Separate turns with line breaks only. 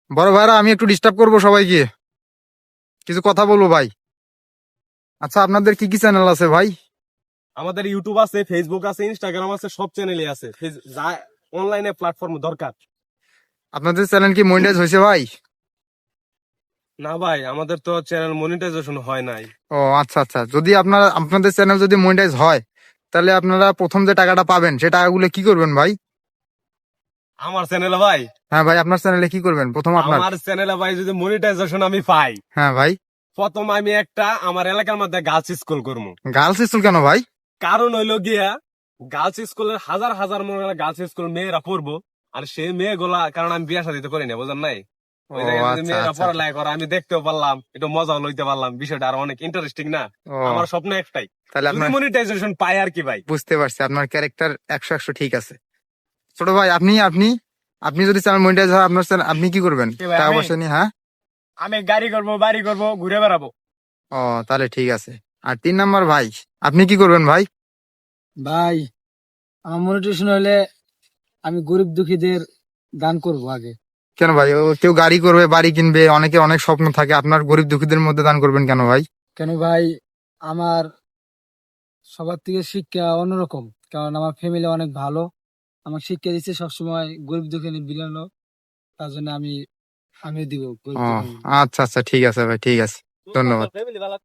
বড় ভাইরা আমি একটু ডিস্টার্ব করবো সবাইকে, কিছু কথা বলবো ভাই। আচ্ছা, আপনাদের কি কি চ্যানেল আছে ভাই?
আমাদের ইউটিউব আছে, ফেসবুক আছে, ইনস্টাগ্রাম আছে, সব চ্যানেলই আছে। যা অনলাইনে প্ল্যাটফর্ম দরকার।
আপনাদের চ্যানেল কি মনিটাইজ হয়েছে ভাই?
না ভাই, আমাদের তো চ্যানেল মনিটাইজেশন হয় নাই।
ও আচ্ছা আচ্ছা, যদি আপনাদের চ্যানেল যদি মনিটাইজ হয়, তাহলে আপনারা প্রথম যে টাকাটা পাবেন সে টাকাগুলো কি করবেন ভাই?
আমার চ্যানেলে ভাই,
হ্যাঁ ভাই, আপনার চ্যানেলে কি করবেন প্রথম আপনার?
আমার চ্যানেলে ভাই যদি মনিটাইজেশন আমি পাই,
হ্যাঁ ভাই।
প্রথম আমি একটা আমার এলাকার মধ্যে গার্লস স্কুল করবো।
গার্লস স্কুল কেন ভাই?
কারণ হইলো গিয়া, গার্লস স্কুলের হাজার হাজার মনে হয় গার্লস স্কুল মেয়েরা পড়বো। আর সেই মেয়েগুলা, কারণ আমি বিয়া শাদী তো করি না, বুঝেন নাই।
ও
ওই জায়গায় যদি
আচ্ছা
মেয়েরা
আচ্ছা।
পড়ালেখা করে, আমি দেখতেও পারলাম, একটু মজাও লইতে পারলাম, বিষয়টা আর অনেক ইন্টারেস্টিং না।
ও
আমার স্বপ্ন একটাই,
তাহলে
যদি
আপনার,
মনিটাইজেশন পাই আর কি ভাই।
বুঝতে পারছি আপনার ক্যারেক্টার 100 ঠিক আছে। ছোট ভাই, আপনি আপনি আপনি যদি চ্যানেল মনিটাইজ হয় আপনার চ্যানেল, আপনি কি করবেন
কি ভাই,
টাকা
আমি
পয়সা নিয়ে? হ্যাঁ।
আমি গাড়ি করবো, বাড়ি করবো, ঘুরে বেড়াবো।
ও তাহলে ঠিক আছে। আর 3 নাম্বার ভাই, আপনি কি করবেন ভাই?
ভাই, আমার মনিটেশন হলে আমি গরিব দুঃখীদের দান করব আগে।
কেন ভাই, ও কেউ গাড়ি করবে, বাড়ি কিনবে, অনেকে অনেক স্বপ্ন থাকে, আপনার গরিব দুঃখীদের মধ্যে দান করবেন কেন ভাই?
কেন ভাই, আমার সবার থেকে শিক্ষা অন্যরকম, কারণ আমার ফ্যামিলি অনেক ভালো। আমার শিক্ষা দিচ্ছে সবসময় গরিব দুঃখী বিলানো, তার জন্য আমি দিব গরিব
ও
দুঃখী।
আচ্ছা আচ্ছা, ঠিক আছে ভাই, ঠিক আছে, ধন্যবাদ।
ফ্যামিলি ভালো